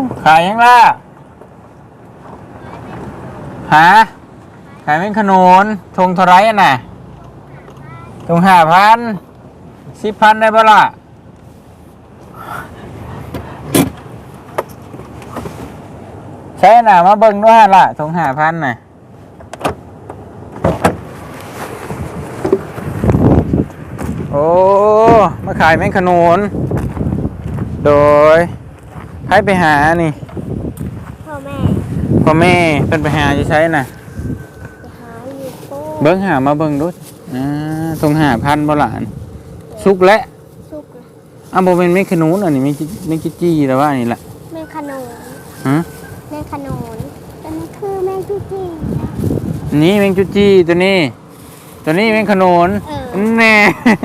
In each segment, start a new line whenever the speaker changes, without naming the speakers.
ขายยังล่ะหาขายเป็นขนุนทงเท่าไรน่ะทง5,000 10,000ได้บ่ล่ะใช่น่ะมาเบิ่งด้วยล่ะทง5,000น่ะโอ้มาขายแมงขนุนโดยให้ไปหานี่
พ่อแม่
เป็นไปหาจะใช้น่ะ
หาอยู่โป้
เบิ้งหามาเบิ้งดูทง5,000บ่ล่ะสุกและ
สุกเลย
โบเป็นแมงขนุนอันนี้ไม่จี้แล้วว่านี่แหละ
แม่ขนุน
ฮะ
แม่ขนุนอันนี้คือแม่จุจี้
นี่แมงจุจี้ตัวนี้แมงขนุนแน่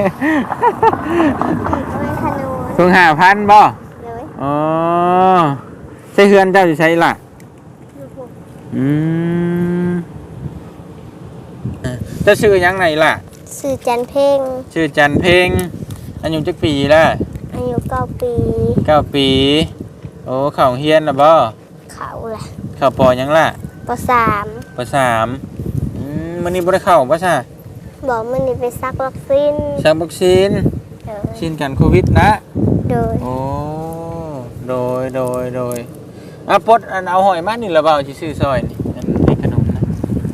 แม่ขนุน
ทง5,000บ่
เลย
อ๋อใช้เฮือนเจ้าจะใช้ล่ะจะชื่อยังไงล่ะ
ชื่อจันเพ่ง
ชื่อจันเพ่งอายุจักปีละ
อายุ9 ปี
ปีโอ้เข่าเฮียนนะบ่
เขาแหละ
เข่าปอยังล่ะ
ป.3
มันนี่บ่ได้เข้าป่ะใช่
บอกมันนี่ไปซักวัคซีน
ชินกันโควิดนะ
โดย
โอ้โดยปดอันเอาหอยมานี่ละเบาสิซื้อซอยนี่อันนี้ขนมนะ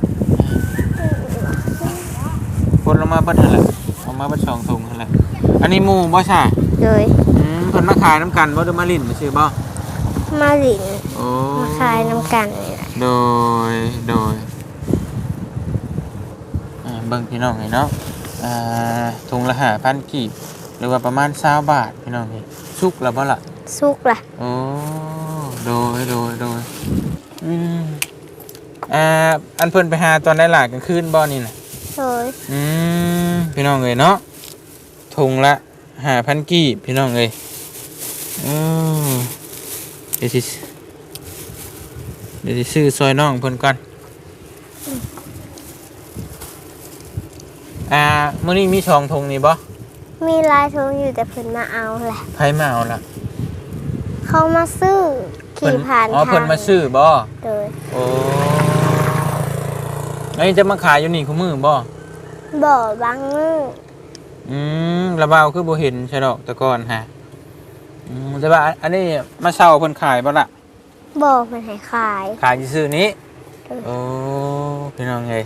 ปดลงมาเบิดหั่นแหละเอามาเบิด2 ถุงหั่นแหละอันนี้หมู่บ่ใช่
โดย
เพิ่นมาขายน้ำกันบ่หรือมาลิ้นซื่อบ่
มาลิ้น
โอ้
มาขายน้ำกันนี่แหละ
โดยเบิ่งพี่น้องให้เนาะถุงละ5,000 กีบหรือว่าประมาณ20 บาทพี่น้องนี่สุกแล้วบ่ล่ะ
สุกล่ะ
โอ้โดยอันเพิ่นไปหาตอนได้หลากกลางคืนบ่นี่น่ะ
โดย
พี่น้องเอ้ยเนาะถุงละ5,000 กีบพี่น้องเอ้ยเดี๋ยวสิซื้อซอยน้องเพิ่นก่อนมื้อนี้มี2 ถุงนี่บ่
มีลายถุงอยู่แต่เพิ่นมาเอาแหละ
ไผมาเอาล่ะ
เขามาซื้อขี่ผ่าน
ทางเพิ่นมาซื้อบ่
โดย
โอ้นี่จะมาขายอยู่นี่คุมื้อบ่
บางมื้อ
ระเบาคือบ่เห็นใช่ดอกแต่ก่อนฮะแต่ว่าอันนี้มาเช่าเพิ่นขายบ่ล่ะ
มันให้ขาย
ซื่อนี้โอ้พี่น้องเอ้ย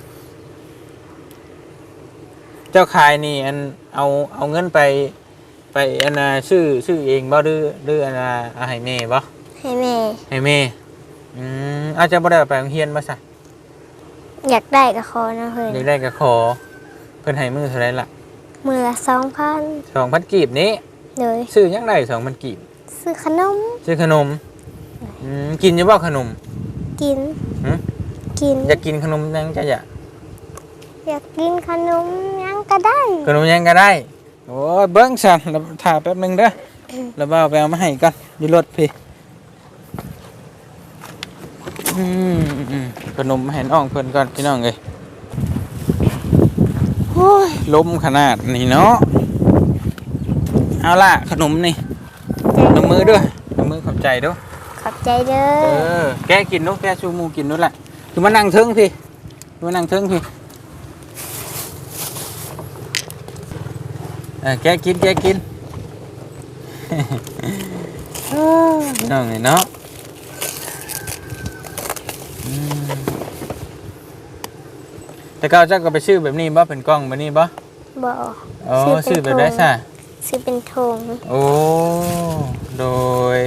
เจ้าขายนี่อันเอาเงินไปอันน่ะซื้อเองบ่หรืออันน่ะให้แม่บ่
ให้แม่
อาจจะบ่ได้ไปโรงเรียนบ่ซะ
อยากได้ก็ขอนะเพิ่น
อยากได้ก็ขอเพิ่นให้มื้อเท่าไหร่ล่ะ
มื้อละ2,000
กีบนี้
เลย
ซื้อยังได้2,000 กีบ
ซื้อขนม
กินอยู่บ่ขนม
กิน
อยากกินขนมยังจะอย
ากกินขนมยังก็ได้
โอ้ยเบิ้งสั่นถ่าแป๊บนึงเด้อแล้วบ่าวไปเอามาให้ก่อนอยู่รถพี่ขนมมาให้น้องเพิ่นก่อนพี่น้องเอ้ยโอ้ยลมขนาดนี้เนาะเอาล่ะขนมนี่ลงมือด้วยลงมือขอบใจด้วย
ขอบใจเด้อ
แกกินนู้แกชูมูกินนู้แหละคือมานั่งเทิงพี่แกกินน้องเนาะแต่เจ้าก็ไปซื้อแบบนี้บ่เป็นกล้องแบบนี้บ่ซื้อแบบได้ซะ
ซื้อเป็นถุง
โอ้โดย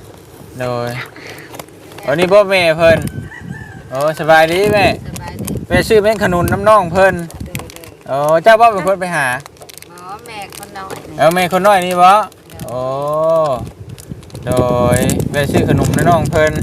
อันนี้บ่แม่เพิ่นโอ้สบายดีแม่ไปซื้อแม่ขนุนน้ำน้องเพิ่นโอ้เจ้าบ่เป็นคนไปหา
แม่คนน้อย
แม่คนน้อยนี่บ่โอ้โดยไปซื้อขนมน้ำน้องเพิ่น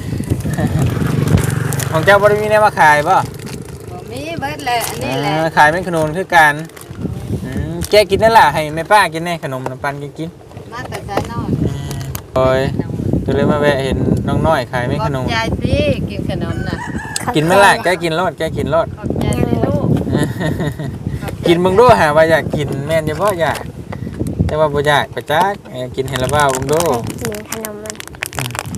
ของเจ้าบ่ได้มีแนวมาขายบ่
มีเบิดเลยอันนี้แหละ
ขายเป็นขนมคือกันแกกินนั่นแหละให้แม่ป้ากินแน่ขนมน้ำปันกิน
มาแต่ใจน้อย
โอ้ยตัวเลยมาแวะเห็นน้องน้อยขายเป็นขนม
ใจสิกินขนมน่ะ
กินไม่ละแกกินรส
ขอบใจลูก
กินมึงดูหาว่าอยากกินแม่นจะบ่อยากแต่ว่าบ่อยากประจักกินให้ละบ้ามึงดู
กินขนมมัน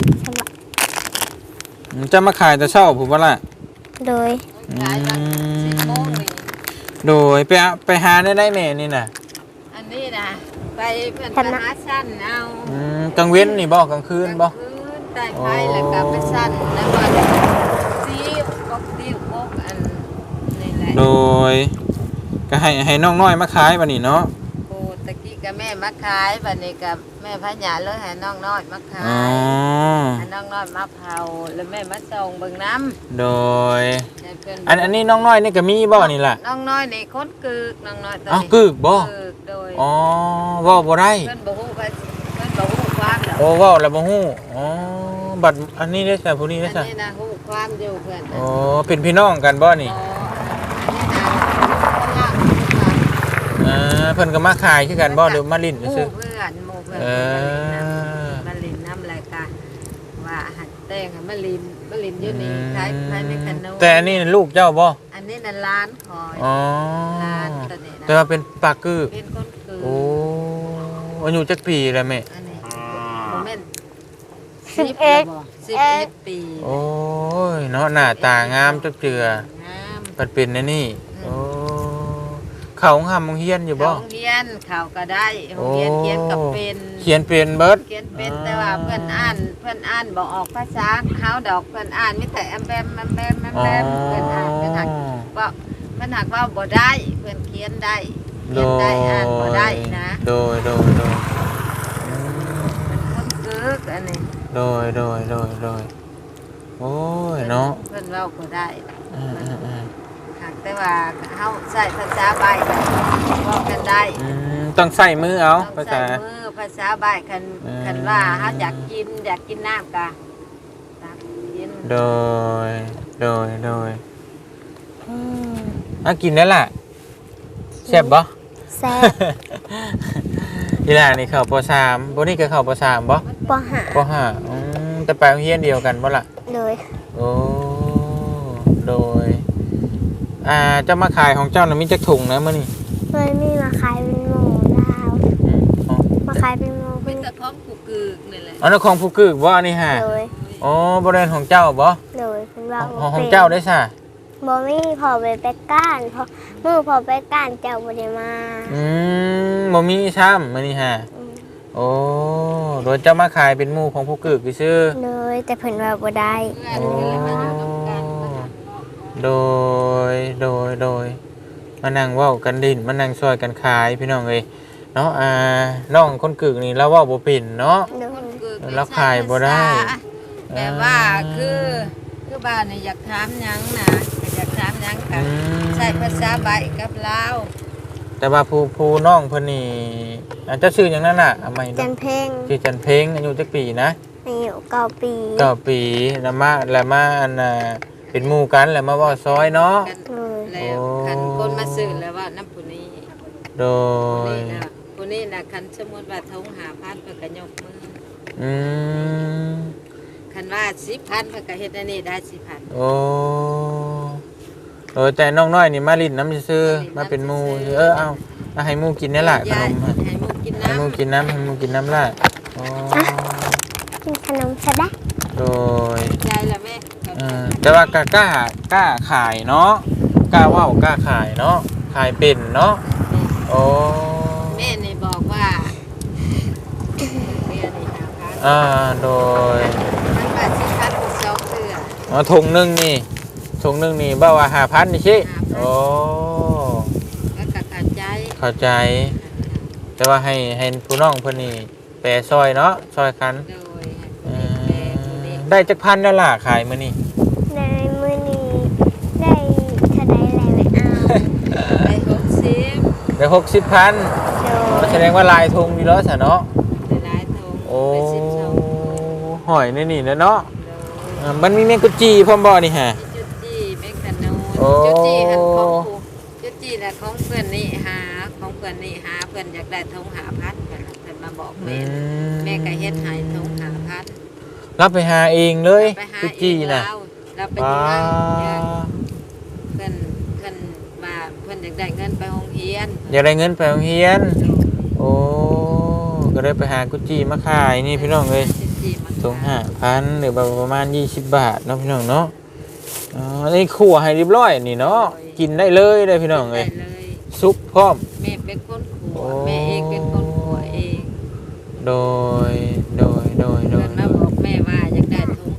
จะมาขายแต่เช้าผมว่าล่ะ
โดย
ขายตั้ง10โมงนี่
โดยไปหาได้แม่นี่น่ะ
อันนี้นะไปเพิ่นไปหาสั้นเอา
กลางเว้นนี่บ่กลางคืนบ่
กลางคืนใต้ไฟแล้วก็ไปสั้นแล้วก็ซีกบติ้วกบอันนี่แหละ
โดยก็ให้น้องน้อยมาขายบัดนี้เนาะ
โอ้ตะกี้กับแม่มาขายบัดนี้กับแม่พญาเลยให้น้องน้อยมาขา
อ๋อย
ให้น้องน้อยมาเผาแล้วแม่มาส่งเบิ่งน้
โดย
ำให้เพิ่น
อันนี้น้องน้อยนี่ก็มีบ่นี่ล่ะ
น้องน้อยนี่คนกึกน้องน้อยตัว
อ้าว
นี้
กึกบ่
กึกโดย
อ๋อเว้าบ่ได้
เพิ่นบ่ฮู้ว่าเพิ่นบ่ฮู้ความดอก
โอ้เว้าแล้วบ่ฮู้อ๋อบัดอันนี้ได้ซะผู้นี้
อั
ได้
น
ซะ
นี้นะฮู้ความอยู่เพิ่น
โอ้เป็นพี่น้องกันบ่นี่ เพิ่นก็มาขายคือกันบ่หรือมาลิ้น
หมู่
ซื่อ
เพื่อนหมู่เพื่อน
เออ
มาลินน้ำรายการว่าหัดแต้งให้มาลินอยู่นี่ขายภายในขนม
แต่อันนี้ลูกเจ้าบ่
อันนี้น่ะร้านคอย
อ๋อ
ร้านตัวนี้นะ
แต่ว่าเป็นปลากือ
เป็นคนคือ
โอ้อายุจักปีแล้วแม่
อันนี้โมเมนต์
11
11 ปี
โอ้ยเนาะหน้าตางามจักเจือ
งาม
มันเป็นอันนี่โอ้เขาหำมงเฮียนอยู่บ่
โรงเรียนเขาก็ได้โรงเรียนเขียนกับเป็น
เขียนเป็นเบิด
เขียนเป็นแต่ว่าเพื่อนอ่านบอกออกภาษาเฮาดอกเพื่อนอ่านมีแต่แอมแบมแอมแบมแอมแบมเพื่อนอ่านเพื่อนหักว่าเพื่อนหักว่าบ่ได้เพื่อนเขียนได้เขียนได้อ่านบ่ได้นะ
โดย
เป็นคนกึกอันนี้
โดยโอ้ยเนาะ
เพื่อนเว้าบ่ได้
อืม
หากแต่ว่าเฮาใช้ภาษาใบเว้ากันได้
ต้องใส่มือเอา
ต้อง
ภา
ใช้
ษา
มือภาษาใบคันว่าเฮาอยากกินน้ำก็ตักกิน
โดยกินได้ล่ะแซ่บบ่
แซ่บ
อีหล่านี่เข้าป .3 บ่นี่ก็เข้าป .3 บ่
ปหา
ป .5 แต่ไปโรงเรียนเดียวกันบ่ล่ะ
โดย
โอ้โดยเจ้ามาขายของเจ้าน่ะมีจักถุงนะมื้อนี้
มันมีมาขายเป็นหมูดาว
อ๋อ
มาขายเป็นหมู
เป็
เป็น น
แต่ของกูกึกนี่แหละ
อันนั้นของผู้กึกบ่อันนี้ฮะ
โดย
อ๋อบ่ได้ของเจ้าบ่
โดยเป็นว่า
ของเจ้าได้ซะ
บ่มีพอไปก้านพอมือพอไปก้านเจ้าบ่ได้มา
บ่มีซ้ำมื้อนี้ฮะ
อืม
โอ้โดยเจ้ามาขายเป็นหมู่ของผู้กึกซื่อ
เลยแต่เพิ่นว่าบ่ได้
เพื่อนก็เลยมาอยู่กับกันมาหา
โดยมานั่งเว้ากันดินมานั่งช่วยกันขายพี่น้องเอ้ยเนาะน้องคนกึกนี่เราเว้าบ่เป็นเนาะ
โด
คน
ย
กึก
แล้วขายบ่ได้
แต่ว่าคือบ้านนี่อยากถามหยังนะอยากถามหยังกันใช้ภาษาใบกับลาว
แต่ว่าผู้น้องเพิ่นนี่เจ้าชื่อหยังนั่นน่ะเอาใหม่
จันเพ่ง
ชื่อจันเพ็งอายุจักปีนะ
อายุ9 ปี
ปีแล้วมาอันเป็นหมู่กันแล้วมาเว้าซอยเนาะ
กัน
เลย
แล้วคันคนมาซื้อแล้วว่าน้ำผู้นี้
โด
ผู้
ย
นี้นะผู้นี้นะคันสมมุติว่าทง5,000เพิ่นก็ยกมือ
อืม
คันว่า10,000เพิ่นก็เฮ็ดอันนี้ได้10,000
โอ้แต่น้องน้อยนี่มาลิ้นน้ำซื่อๆมาเป็นหมู่เอาให้หมู่กินนี่ล่ะขนม
ให้หมูกิน
ให้หมู่กินน้ำให้หมู่กินน้ำล่ะโอ้
กินขนมซะได้
โดย
ใจละแม่
แต่ว่ากล้าขายเนาะกล้าเว้ากล้าขายเนาะขายเป็นเนาะโอ้
แม่นี่บอกว่าเรียนนี่5,000
โดย
มันว่า10,000คือ2เทื่อ
ถุงหนึงนี่บ่าว่า5,000นี่สิโอ้
ก็เข้าใจ
เข้าใจ แต่ว่าให้ผู้น้องเพิ่นนี่แปรซอยเนาะซอยกัน
โดย
ได้จักพันแล้วล่ะขายมื้อนี้
ในมื้อนี้ได้เท่าใดแล้วไปเอา
ไป60
ได้60,000
โดย
แสดงว่าลายธงมีแล้วซะเนาะ
ไปหลายทง
โอ้
ไป12
หอยนี่นะเนาะ
โดย
มันมีแมงกุจีพร้อมบ่นี่ฮะ
จุดจี้แมกกาโน
โอ้
จุดจี้หันของกูจุดจี้น่ะของเพื่อนนี่หาของเพื่อนนี่หาเพื่อนอยากได้ทง5,000เพิ่นมาบอกแม่แม่ก็เฮ็ดให้ทง5,000
รับไปหาเองเลย
ไปหา
กุ
เอ
จี
ง
น่ะ
เราไป
ว้า
ที่นั่นเพื่อนมาเพื่อนอยากได้เงินไปโรงเรียน
อยากได้เงินไปโรงเรียน โอ้ก็เลยไปหากุจีมาขายนี่พี่น้องเอ้ย
จุดจี้มาข
ถุง5,000หรือประมาณ20 บาทเนาะพี่น้องเนาะอ๋อนี่คั่วให้เรียบร้อยนี่เนาะกินได้เลยได้พี่น้องเอ้ย
ได้เลย
ซุปพร้อม
แม่เป็นคนขัวแม่เองเป็นคนขัวเอง
โดย
เพิ่นมาบอกแม่ว่าอยากได้ถุง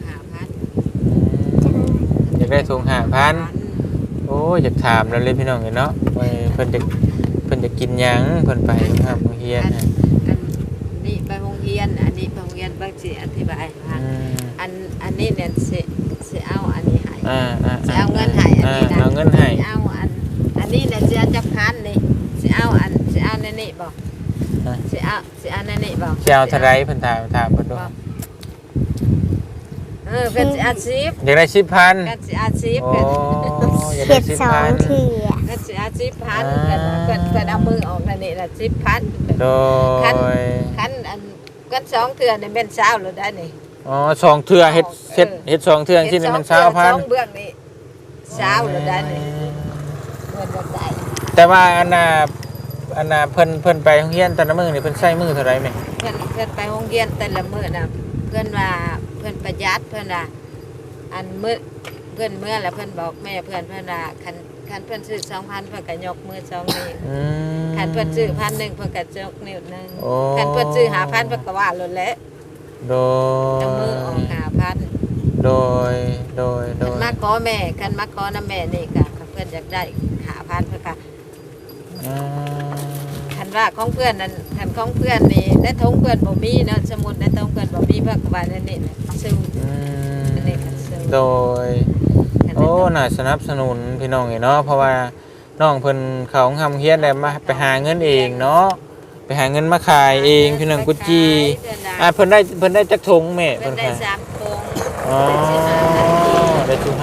5,000
อยากได้ถุง5,000โอ้ยอยากถามแล้วเลยพี่น้องเนาะว่าเพิ่นจะกินหยังเพิ่นไปครับโรงเรียนนะ
อันนี้ไปโรงเรียนอันนี้ไปโรงเรียนบางสิอธิบายให้ฟังอันนี้เนี่ยสิเอาอันนี้ให้สิเอาเงินให้อันนี้นะ
เอาเงินให้
สิเอาอันนี้เนี่ยสิเอาจักพันนี่สิเอาในนี่บ่สิเอาในนี่บ่
สิเอาเท่าไรเพิ่นถามเพิ่นดู
เพิ่นสิเอา10
อยากได้10,000
เพิ่นสิเอา10
โอ้
เพิ่น
อยาก
เห็
ได้
ด2
10,000
เถื่อ
เพิ่นสิเอา10,000เพิ่นเอามือออกนั่นนี่ล่ะ10,000
โดย
คันอันกัน2เทื่อนี่แม่น20แล้วได้นี่
อ๋อ2เทื่อเฮ็ด2เทื่อที่นี่มัน
สอง
20,000
เบื้องนี่20แล้วได้นี่เพิ่นบ่ได้
แต่ว่าอันน่ะเพิ่นไปโรงเรียนแต่ละมื้อนี่เพิ่นใช้มื้อเท่าไรแม่
เพิ่นไปโรงเรียนแต่ละมื้อน่ะเพิ่นว่าเพิ่นประหยัดเพิ่นว่าอันมื้อเพิ่นเมื่อแล้วเพิ่นบอกแม่เพิ่นว่าคันเพิ่นซื้อ 2,000 เพิ่นก็ยกมือ2นิ้วคันเพิ่นซื้อ 1,000 เพิ่นก็ยกนิ้วหนึง
โอ้
คันเพิ่นซื้อ 5,000 เพิ่นก็ว่าโลดแหละ
โดย
เอามือออก 5,000
โดย
คันมาขอแม่คันมาขอนำแม่นี่ก็เพิ่นอยากได้ 5,000 เพิ่นก็คันว่าของเพื่อนนั้นคันของเพื่อนนี่ได้ทงเพื่อนบ่มีเนาะสมุดได้ทงเพื่อนบ่มีเพิ่นก็ว่านั่นนี่แหละซื้ออันนี้ก็ซื้อ
โดย โอ้น่าสนับสนุนพี่น้องเนาะเพราะว่าน้องเพิ่นเขาทำเฮียนได้มาไปหาเงินเองเนาะไปหาเงินมาขายเองพี่น้องกุจีเพิ่นได้จักถุงแม่
เพิ่นได้3ทง
อ๋อได้ถุง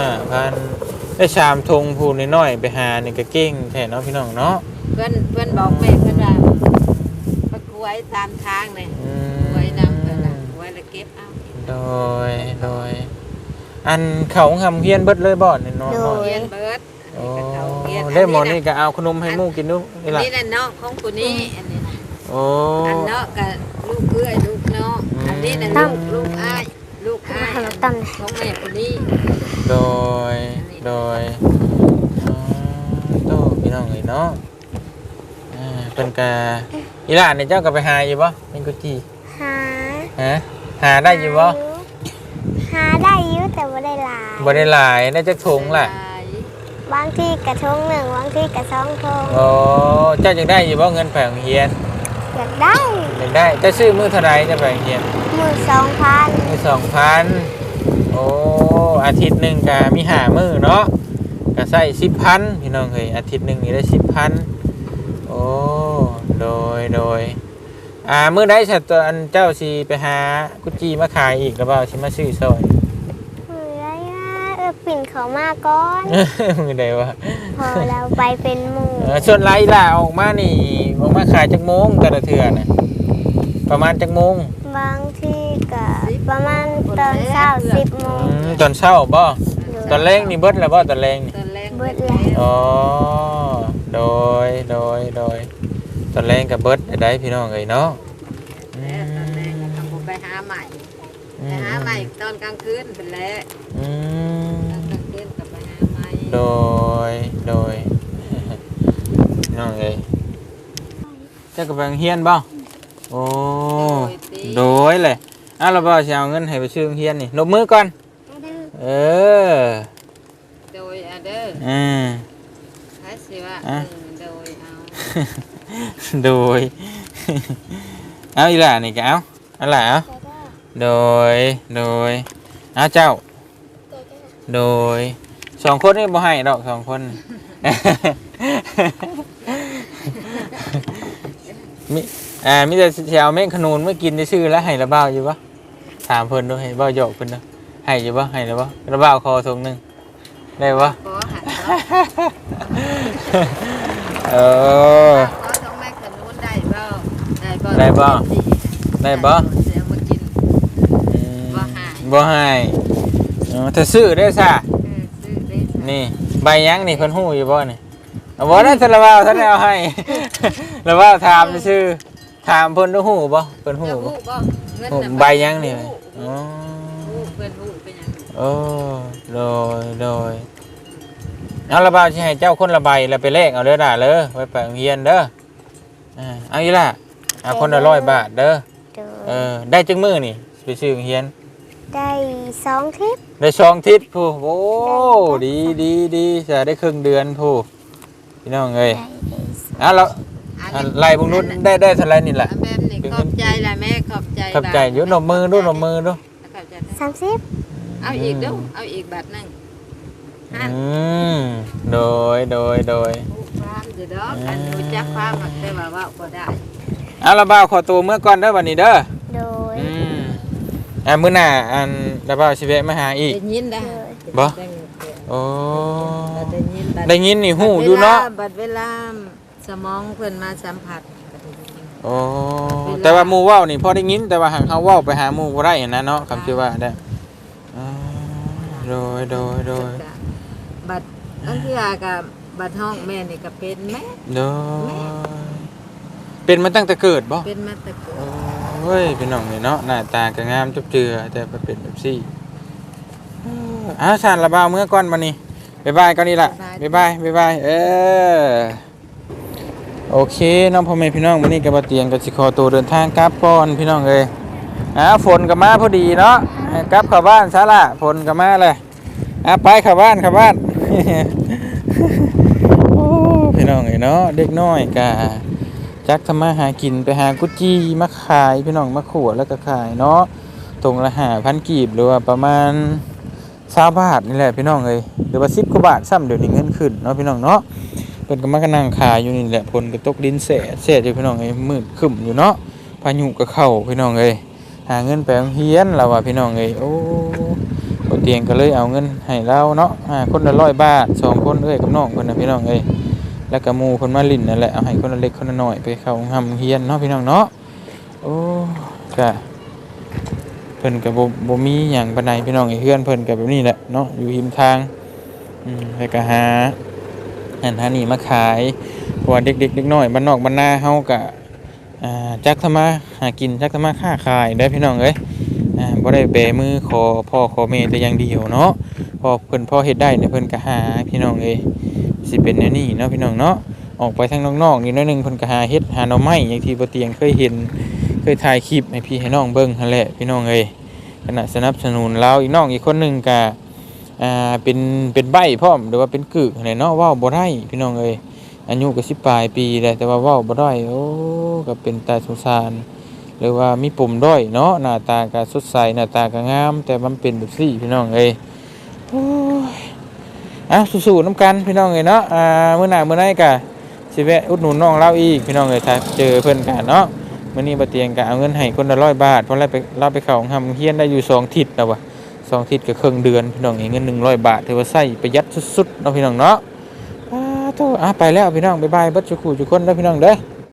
5,000ได้3ถุงผู้น้อยๆไปหานี่ก็เก่งแท้เนาะพี่น้องเนาะ
เพิ่นบอกแม่เพิ่นว่าไปกล้วยตามทางนี่กล้วยนำเพิ่นน่ะกล้วยแล้วเก็บเอา
โดยอันเขาทำเฮียนเบิดเลยบ่นี่เนาะ
เรียนเบิด
โอ้
นี่ก็เขาเรียน
ได้หมดนี่ก็เอาขนมให้หมู่กินดูนี่ล่ะ
นี่น่ะเนาะของผู้นี้อันนี้นะ
โอ้
อันเนาะก็ลูกเอื้อยลูกเนาะอันนี้น่ะลูกอ้ายอันของแม่ผู้นี้
โดยอ๋อโตพี่น้องเอ้ยเนาะเพิ่นก็อีหลานนี่เจ้าก็ไปหาอยู่บ่เป็นกุจี
หา
หาได้อยู่บ่
หาได้อยู่แต่บ่ได้หลาย
บ่ได้หลายได้จักถุงล่ะ
บางที่กระทง1บางที่กระ2ทง
โอ้เจ้าจักได้อยู่บ่เงินแผงเฮียน
อยากได้
อยากได้เจ้าซื้อมื้อเท่าใดจะแผงเฮียน
มือ2,000
มื้อ2,000โอ้อาทิตย์หนึงก็มี5มื้อเนาะก็ใช้10,000พี่น้องเอ้ยอาทิตย์หนึงนี่ได้10,000โอ้โดยมื้อใดซะตัวอันเจ้าสิไปหากุจีมาขายอีกหรือเปล่าสิมาซื้อซอย
มือได้ปิ่นเขามาก่อน
มื้อใดวะ
พอเราไปเป็นหมู่
ส่วนไรล่ะออกมานี่ออกมาขายจักโมงแต่ละเทื่อน่ะประมาณจักโมง
บางที่ก็ประมาณตอนเช้า10 โมง
ตอนเช้าบ่ตอนแรงนี่เบิดแล้วบ่ตอนแรงนี่
ตอนแรก
เบิดแล้ว
อ๋อโดยตอนแรงกับเบิดได้พี่น้องเอ้ยเนาะ
แล้วตอนแรกก็ต้องไปหาใหม่ไปหาใหม่ตอนกลางคืนเป็นแล้ว
อืม
ตอนกลางคืนก็ไปหาใหม่
โดยน้องเอ้ยเจ้ากำลังเฮียนบ่โอ้โดยเลยเราบ่สิเอาเงินให้ไปซื้อเฮียนนี่ลบมือก่อนเออ
โดยเด้อใครสิว่าโดยเอา
โดย เอาอีหล่ะนี่ก็เอาเอาล่ะเอาโดยเอาเจ้าโดย2คนนี่บ่ให้ดอก2คน มีแต่สิเอาแม่งขนูนเมื่อกินได้ชื่อแล้วให้ระเบ้าอยู่ปะถามเพิ่นดูให้เบ้าหยอกเพิ่นดูให้อยู่ปะให้หรือปะระเบ้าคอถุงหนึงได้ปะ
ขอหัน
เออ
ขอต้องแม่ขนุนได้บ่
ได้บ่
เสียมากิน
บ่ให้ถ้าซื้อได้ซะ
ซื้อได้
นี่ใบยังนี่เพิ่นฮู้อยู่บ่นี่เอาบ่ได้ระเบ้าท่านเอาให้ ระเบ้าถามซื่อถามเพิ่นดูฮู้บ่เพิ่นฮู้บ่
บ่เงิน
โอ้
น่ะ
ใบยังนี่อ๋อ
เพิ่นฮู้เป็นหยัง
โอ้โดยเอาละบ่าวสิให้เจ้าคนละใบแล้วไปเลขเอาเด้อด่าเลยไว้ไปโรงเรียนเด้อเอาอีล่ะคนละ100 บาทเด้อ
โดย
ได้จังมื้อนี่ไปซื้อโรงเรียน
ได้2ทิศ
ได้2ทิศผู้โอ้ดีจะได้ครึ่งเดือนผู้พี่น้องเอ้ย
ได้
แล้ว
อันนี้
ไล่บุงนู้นได้เท่าไรนี่แหละ
อันแบบนี้ขอบใจล่ะแม่ขอบใจ
ขอบใจอยู่หนมมือดู
ขอบใจนะ
30
เอาอีกเด้อเอาอีกบาทหนึงฮะ
โดย
ความสิดอกอันรู้จักความอะแต่ว่าเว้าบ่ได้
เอาละบ่าวขอตัวเมื่อก่อนเด้อวันนี้เด้อ
โดย
มื้อหน้าอันละบ่าวสิแวะมาหาอีก
ได้ยินได้
บ่ โอ้
ได้ยิน
ได้ยินนี่ฮู้อยู่เนาะ
บัดเวลาสมองเพิ่นมาสัมผัสก็ได้ยิน
โอ้แต่ว่าหมู่เว้านี่พอได้ยินแต่ว่าหังเฮาเว้าไปหาหมู่บ่ได้นะเนาะคำที่ว่าได้โดย
บัดอันที่ว่ากับบัดห้องแม่นี่ก็เป็นแม่
โดยเป็นมาตั้งแต่เกิดบ่
เป็นมาแต่เกิด
โอ้ยเป็นน้องนี่เนาะหน้าตาก็งามจุบเจือแต่ไปเป็นแบบซี่สารระบาวเมื่อก่อนมานี่บ๊ายบายก่อนนี่ล่ะบ๊ายบายโอเคน้องพ่อแม่พี่น้องวันนี้ก็บ่เตียงก็สิขอตัวเดินทางกลับก่อนพี่น้องเอ้ยฝนก็มาพอดีเนาะกลับเข้าบ้านซะล่ะฝนก็มาเลยไปเข้าบ้าน โอ้พี่น้องเอ้ยเนาะเด็กน้อยก็จักทำมาหากินไปหากุจีมาขายพี่น้องมาขวดแล้วก็ขายเนาะตรงละ5,000 กีบหรือว่าประมาณ20 บาทนี่แหละพี่น้องเอ้ยหรือว่า10 กว่าบาทซ้ำเดี๋ยวนี้เงินขึ้นเนาะพี่น้องเนาะเพิ่นก็มานั่งขายอยู่นี่แหละฝนก็ตกดินแสดอยู่พี่น้องเอ้ยมืดครึ้มอยู่เนาะพายุก็เข้าพี่น้องเอ้ยหาเงินไปโรงเรียนแล้วว่าพี่น้องเอ้ยโอ้บ่เตียงก็เลยเอาเงินให้เราเนาะคนละ100 บาท2คนเอ้ยกับน้องเพิ่นน่ะพี่น้องเอ้ยแล้วก็หมู่เพิ่นมาลิ้นนั่นแหละเอาให้คนละเล็กคนละน้อยไปเข้าโรงเรียนเนาะพี่น้องเนาะโอ้ก็เพิ่นก็บ่มีหยังปานใดพี่น้องเอ้ยเฮือนเพิ่นก็แบบนี้แหละเนาะอยู่ริมทางแล้วก็หานี่มาขายเพราะว่าเด็กน้อยบ้านนอกบ้านนาเฮาก็จักทำมาหากินจักทำมาค้าขายได้พี่น้องเอ้ยบ่ได้แบมือขอพ่อขอแม่แต่อย่างเดียวเนาะพอเพิ่นพอเฮ็ดได้เนี่ยเพิ่นก็หาพี่น้องเอ้ยสิเป็นแนวนี้เนาะพี่น้องเนาะออกไปทางนอกๆนี่น้อยนึงเพิ่นก็หาเฮ็ดหาหน่อไม้อย่างที่บ่เตียงเคยเห็นเคยถ่ายคลิปให้พี่ให้น้องเบิ่งนั่นแหละพี่น้องเอ้ยขณะสนับสนุนเราอีกน้องอีกคนนึงก็เป็นใบ้พร้อมหรือว่าเป็นกึกอะไรเนาะเว้าบ่ได้พี่น้องเอ้ยอายุก็10 ปลายปีแล้วแต่ว่าเว้าบ่ได้โอ้ก็เป็นตาสงสารหรือว่ามีปุ่มด้อยเนาะหน้าตาก็สดใสหน้าตาก็งามแต่มันเป็นแบบนี้พี่น้องเอ้ยโอ้ยสู้ๆน้ำกันพี่น้องเอ้ยเนาะมื้อหน้ามื้อไหนก็สิแวะอุดหนุนน้องเราอีกพี่น้องเอ้ยถ้าเจอเพิ่นกันเนาะมื้อนี้บ่เตียงก็เอาเงินให้คนละ100 บาทเพราะเราไปเข้าโรงเรียนได้อยู่2 ทิศแล้วว่ะ2 ทิศก็ครึ่งเดือนพี่น้องเงิน100 บาทถือว่าใช้ประหยัดสุดๆเนาะพี่น้องเนาะไปแล้วพี่น้องบ๊ายบายเบิดทุกคนเด้อพี่น้องเด้อ